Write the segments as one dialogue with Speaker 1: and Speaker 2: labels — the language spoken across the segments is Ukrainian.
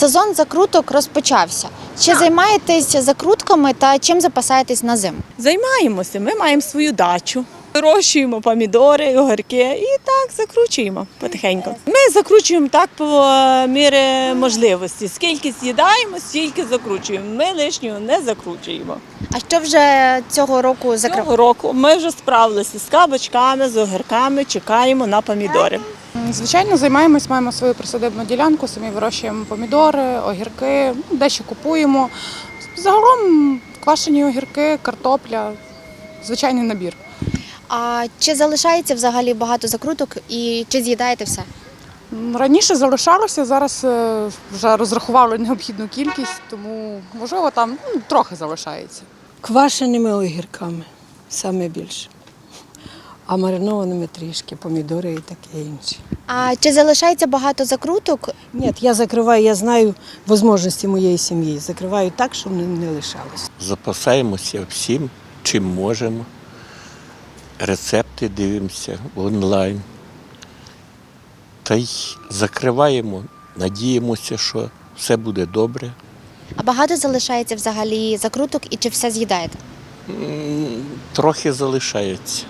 Speaker 1: Сезон закруток розпочався. Чи займаєтесь закрутками та чим запасаєтесь на зиму?
Speaker 2: Займаємося, ми маємо свою дачу. Вирощуємо помідори, огірки і так закручуємо потихеньку. Ми закручуємо так по мірі можливості. Скільки з'їдаємо, стільки закручуємо. Ми лишнього не закручуємо.
Speaker 1: А що вже цього року закрив?
Speaker 2: Цього року ми вже справилися з кабачками, з огірками, чекаємо на помідори.
Speaker 3: Звичайно, займаємось, маємо свою присадибну ділянку, самі вирощуємо помідори, огірки, дещо купуємо. Загалом квашені огірки, картопля, звичайний набір.
Speaker 1: А чи залишається взагалі багато закруток і чи з'їдаєте все?
Speaker 3: Раніше залишалося, зараз вже розрахували необхідну кількість, тому, можливо, там трохи залишається.
Speaker 4: Квашеними огірками саме більше, а маринованими трішки, помідори і таке інше.
Speaker 1: А чи залишається багато закруток?
Speaker 4: Ні, я закриваю, я знаю можливості моєї сім'ї, закриваю так, щоб не лишалося.
Speaker 5: Запасаємося всім, чим можемо. Рецепти дивимося онлайн. Та й закриваємо, надіємося, що все буде добре.
Speaker 1: А багато залишається взагалі закруток і чи все з'їдаєте?
Speaker 5: Трохи залишається.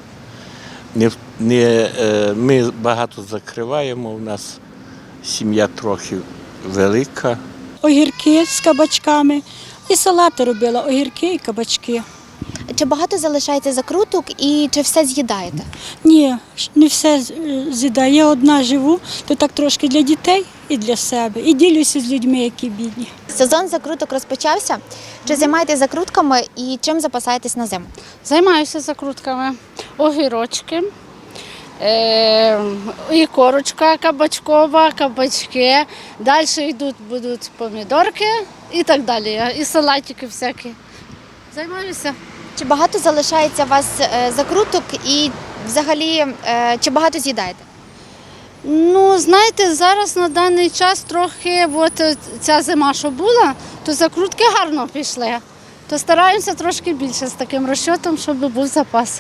Speaker 5: Ми багато закриваємо, у нас сім'я трохи велика.
Speaker 6: Огірки з кабачками. І салати робила, огірки і кабачки.
Speaker 1: Чи багато залишається закруток і чи все з'їдаєте?
Speaker 6: Ні, не все з'їдаю. Я одна живу, то так трошки для дітей і для себе. І ділюся з людьми, які бідні.
Speaker 1: Сезон закруток розпочався. Чи займаєтесь закрутками і чим запасаєтесь на зиму?
Speaker 7: Займаюся закрутками. Огірочки, і корочка кабачкова, кабачки. Далі будуть помідорки і так далі. І салатики всякі. Займаюся.
Speaker 1: Чи багато залишається у вас закруток і взагалі чи багато з'їдаєте?
Speaker 7: Ну, знаєте, зараз на даний час трохи, от ця зима, що була, то закрутки гарно пішли. То стараємося трошки більше з таким розчотом, щоб був запас.